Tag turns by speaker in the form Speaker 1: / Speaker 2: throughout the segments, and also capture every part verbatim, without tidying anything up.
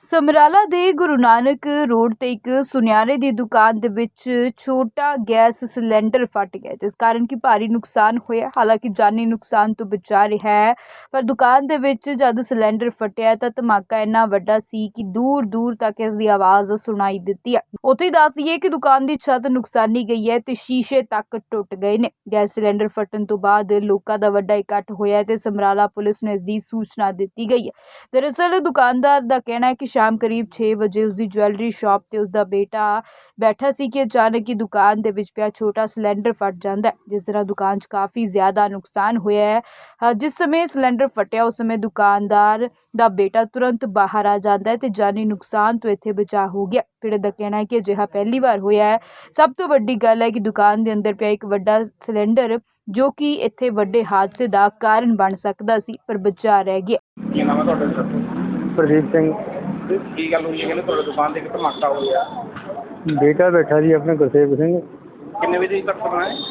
Speaker 1: ਸਮਰਾਲਾ ਦੇ ਗੁਰੂ ਨਾਨਕ ਰੋਡ ਤੇ ਇੱਕ ਸੁਨਿਆਰੇ ਦੀ ਦੁਕਾਨ ਦੇ ਵਿੱਚ ਛੋਟਾ ਗੈਸ ਸਿਲੰਡਰ ਫਟ ਗਿਆ, ਜਿਸ ਕਾਰਨ ਕਿ ਭਾਰੀ ਨੁਕਸਾਨ ਹੋਇਆ। ਹਾਲਾਂਕਿ ਜਾਨੀ ਨੁਕਸਾਨ ਤੋਂ ਬਚਾ ਰਿਹਾ ਹੈ, ਪਰ ਦੁਕਾਨ ਦੇ ਵਿੱਚ ਜਦ ਸਿਲੰਡਰ ਫਟਿਆ ਤਾਂ ਧਮਾਕਾ ਇੰਨਾ ਵੱਡਾ ਸੀ ਕਿ ਦੂਰ ਦੂਰ ਤੱਕ ਇਸ ਦੀ ਆਵਾਜ਼ ਸੁਣਾਈ ਦਿੱਤੀ ਹੈ। ਉੱਥੇ ਹੀ ਦੱਸ ਦਈਏ ਕਿ ਦੁਕਾਨ ਦੀ ਛੱਤ ਨੁਕਸਾਨੀ ਗਈ ਹੈ ਤੇ ਸ਼ੀਸ਼ੇ ਤੱਕ ਟੁੱਟ ਗਏ ਨੇ। ਗੈਸ ਸਿਲੰਡਰ ਫਟਣ ਤੋਂ ਬਾਅਦ ਲੋਕਾਂ ਦਾ ਵੱਡਾ ਇਕੱਠ ਹੋਇਆ ਤੇ ਸਮਰਾਲਾ ਪੁਲਿਸ ਨੂੰ ਇਸ ਦੀ ਸੂਚਨਾ ਦਿੱਤੀ ਗਈ ਹੈ। ਦਰਅਸਲ ਦੁਕਾਨਦਾਰ ਦਾ ਕਹਿਣਾ ਹੈ ਕਿ शाम करीब छे बजे उसकी ज्वैलरी शॉप ते उसका बेटा बैठा सी कि अचानक ही दुकान दे विच पिया छोटा सिलेंडर फट जाता है, जिस तरह दुकान च काफ़ी ज़्यादा नुकसान होया है। जिस समय सिलेंडर फटिया उस समय दुकानदार दा बेटा तुरंत बाहर आ जाता है तो जानी नुकसान तो इत्थे बचाव हो गया। पीड़ित का कहना है कि अजिहा पहली बार होया है। सब तो वड्डी गल है कि दुकान के अंदर पिया एक वड्डा सिलेंडर जो कि इत्थे वड्डे हादसे का कारण बन सकता सी, पर बचा रह गया।
Speaker 2: प्रदीप सिंह
Speaker 3: ਕੀ ਗੱਲ ਹੋਈ ਹੈ? ਕਹਿੰਦੇ ਤੁਹਾਡੀ ਦੁਕਾਨ ਤੇ ਇੱਕ ਧਮਾਕਾ ਹੋਇਆ।
Speaker 2: बेटा बैठा जी अपने गुरसेव सिंह
Speaker 3: ਕਿੰਨੇ ਵਜੇ ਤੱਕ ਸਮਾਂ ਹੈ?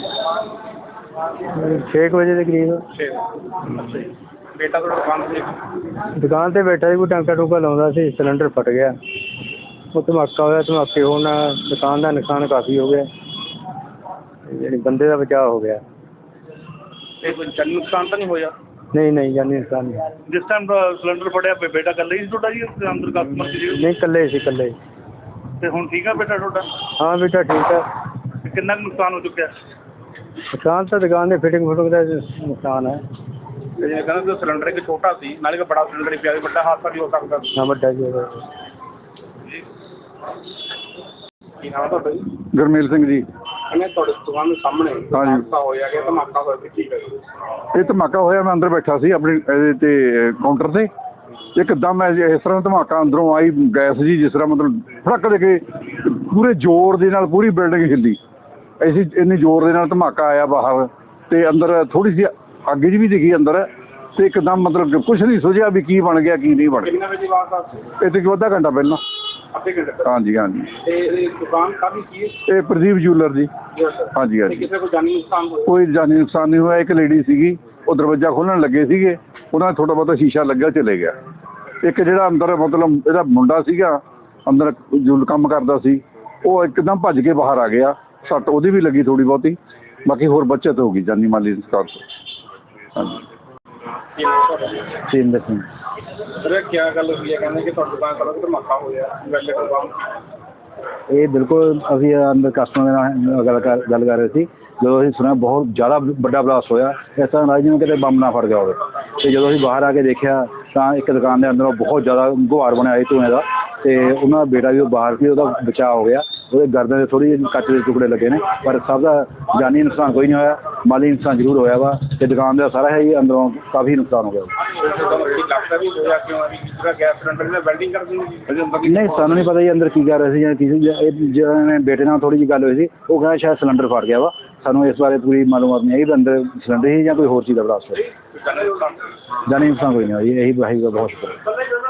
Speaker 2: छे कुछ बजे के करीब
Speaker 3: ਛੇ ਅੱਛਾ ਜੀ। ਬੇਟਾ ਤੁਹਾਡਾ ਦੁਕਾਨ ਤੇ
Speaker 2: दुकान ते बैठा जी, कोई टांका टूका लाਉਂਦਾ ਸੀ, सिलेंडर फट गया। वो धमाका होया, धमाके होने दुकान का नुकसान काफ़ी हो गया, यानी बंदे का बचाव हो गया।
Speaker 3: ਤੇ ਕੋਈ ਜਾਨੀ ਨੁਕਸਾਨ ਤਾਂ ਨਹੀਂ ਹੋਇਆ?
Speaker 2: नहीं नहीं जानी नुकसान नहीं।
Speaker 3: ਜਿਸ ਟਾਈਮ ਸਿਲੰਡਰ ਫਟਿਆ ਬੇਟਾ ਇਕੱਲਾ ਹੀ ਸੀ ਤੁਹਾਡਾ ਜੀ ਅੰਦਰ ਕਸਟਮਰ ਸੀ?
Speaker 2: नहीं कल्ले से कल्ले।
Speaker 3: ਤੇ ਹੁਣ ਠੀਕ ਆ ਬੇਟਾ ਤੁਹਾਡਾ?
Speaker 2: हाँ बेटा ठीक है।
Speaker 3: ਤੇ ਕਿੰਨਾ ਕੁ ਨੁਕਸਾਨ ਹੋ ਚੁੱਕਿਆ?
Speaker 2: नुकसान तो दुकान के फिटिंग फुटिंग का नुकसान है।
Speaker 3: ਤੇ ਜੇ ਕਹਿੰਦੇ ਸਿਲੰਡਰ ਇੱਕ ਛੋਟਾ ਸੀ, ਨਾਲੇ ਇੱਕ ਬੜਾ ਸਿਲੰਡਰ ਹੀ ਪਿਆ, ਵੱਡਾ ਹਾਦਸਾ ਵੀ ਹੋ ਸਕਦਾ।
Speaker 2: हाँ बड़ा जी।
Speaker 3: ਕੀ ਨਾਮ ਤੁਹਾਡਾ ਜੀ?
Speaker 4: ਗੁਰਮੇਲ ਸਿੰਘ ਜੀ।
Speaker 3: ਕਹਿੰਦੇ ਤੁਹਾਡੇ ਦੁਕਾਨ ਦੇ ਸਾਹਮਣੇ
Speaker 4: ਹਾਂਜੀ।
Speaker 3: ਹਾਦਸਾ ਹੋਇਆ ਕਿ ਧਮਾਕਾ ਹੋਇਆ ਸੀ, ਕੀ ਹੈ?
Speaker 4: ਇਹ ਧਮਾਕਾ ਹੋਇਆ, ਮੈਂ ਅੰਦਰ ਬੈਠਾ ਸੀ ਆਪਣੀ ਇਹਦੇ ਤੇ ਕਾਊਂਟਰ ਤੇ, ਇੱਕਦਮ ਇਸ ਤਰ੍ਹਾਂ ਧਮਾਕਾ ਅੰਦਰੋਂ ਆਈ ਗੈਸ ਜੀ, ਜਿਸ ਤਰ੍ਹਾਂ ਮਤਲਬ ਫੜਕ ਦੇ ਕੇ ਪੂਰੇ ਜ਼ੋਰ ਦੇ ਨਾਲ ਪੂਰੀ ਬਿਲਡਿੰਗ ਹਿੱਲੀ। ਐਸੀ ਇੰਨੀ ਜ਼ੋਰ ਦੇ ਨਾਲ ਧਮਾਕਾ ਆਇਆ ਬਾਹਰ, ਤੇ ਅੰਦਰ ਥੋੜੀ ਜਿਹੀ ਅੱਗ ਜੀ ਵੀ ਦਿਖੀ ਅੰਦਰ, ਤੇ ਇੱਕਦਮ ਮਤਲਬ ਕੁਛ ਨਹੀਂ ਸੁਝਿਆ ਵੀ ਕੀ ਬਣ ਗਿਆ ਕੀ ਨਹੀਂ ਬਣ ਗਿਆ।
Speaker 3: ਕਿੰਨੇ ਵਜੇ ਵਾਰਦਾਤ ਸੀ?
Speaker 4: ਇਹ ਤੇ ਅੱਧਾ ਘੰਟਾ ਪਹਿਲਾਂ।
Speaker 3: ਅੱਧੇ ਘੰਟੇ ਪਹਿਲਾਂ?
Speaker 4: ਹਾਂਜੀ ਹਾਂਜੀ।
Speaker 3: ਤੇ ਇਹ ਦੁਕਾਨ ਕਾਹਦੀ ਸੀ?
Speaker 4: ਇਹ ਪ੍ਰਦੀਪ ਜੂਲਰ ਜੀ। ਹਾਂਜੀ
Speaker 3: ਤੇ
Speaker 4: ਹਾਂਜੀ।
Speaker 3: ਕਿਸੇ ਕੋਈ ਜਾਨੀ ਨੁਕਸਾਨ ਹੋਇਆ?
Speaker 4: ਕੋਈ ਜਾਨੀ ਨੁਕਸਾਨ ਨਹੀਂ ਹੋਇਆ। ਇੱਕ ਲੇਡੀ ਸੀਗੀ, ਉਹ ਦਰਵਾਜ਼ਾ ਖੋਲ੍ਹਣ ਲੱਗੇ ਸੀਗੇ, ਉਹਨਾਂ ਦਾ ਥੋੜ੍ਹਾ ਬਹੁਤਾ ਸ਼ੀਸ਼ਾ ਲੱਗਿਆ, ਚਲੇ ਗਿਆ। ਇੱਕ ਜਿਹੜਾ ਅੰਦਰ ਮਤਲਬ ਇਹਦਾ ਮੁੰਡਾ ਸੀਗਾ ਅੰਦਰ ਜੋ ਕੰਮ ਕਰਦਾ ਸੀ, ਉਹ ਇੱਕਦਮ ਭੱਜ ਕੇ ਬਾਹਰ ਆ ਗਿਆ। ਸੱਟ ਉਹਦੀ ਵੀ ਲੱਗੀ ਥੋੜ੍ਹੀ ਬਹੁਤੀ, ਬਾਕੀ ਹੋਰ ਬੱਚਤ ਹੋ ਗਈ ਜਾਨੀ ਮਾਲੀ ਨੁਕਸਾਨ ਤੋਂ। ਹਾਂਜੀ।
Speaker 2: तीन दस
Speaker 3: ਸਰ ਕੀ ਗੱਲ ਹੋਈ ਹੈ? ਕਹਿੰਦੇ ਕਿ ਤੁਹਾਡੀ ਦੁਕਾਨ ਕੋਲ ਧਮਾਕਾ ਹੋਇਆ ਵੈਲੇ ਦੁਕਾਨ।
Speaker 2: ये बिल्कुल अभी अंदर कस्टमर गल कर गल कर रहे थे, जो अभी सुना बहुत ज़्यादा बड़ा ब्लास्ट होया, इस तरह राज जिवें किते बंब ना फट गया होवे। ते जो अभी बाहर आके देखा तो एक दुकान के अंदरों बहुत ज़्यादा गुहार बनया धुएं का, तो उन्होंने बेटा भी बाहर से उसका बचाव हो गया। वो गर्दन से थोड़ी कच के टुकड़े लगे ने, पर सब का जानी नुकसान कोई नहीं होया, माली नुकसान जरूर होया वा। ते दुकान का सारा है ही अंदरों काफ़ी नुकसान हो गया। नहीं सानू नहीं पता जी अंदर की कर रहे थे, जिन्हें बेटे नाल थोड़ी जी गल हुई थी, वो कहना शायद सिलेंडर फट गया वा। सानू इस बारे पूरी मालूमात नहीं आई भी अंदर सिलेंडर ही या कोई होर चीज़ का ब्लास्ट हो। जानी नुकसान कोई नहीं होया, यही बहुत शुक्र।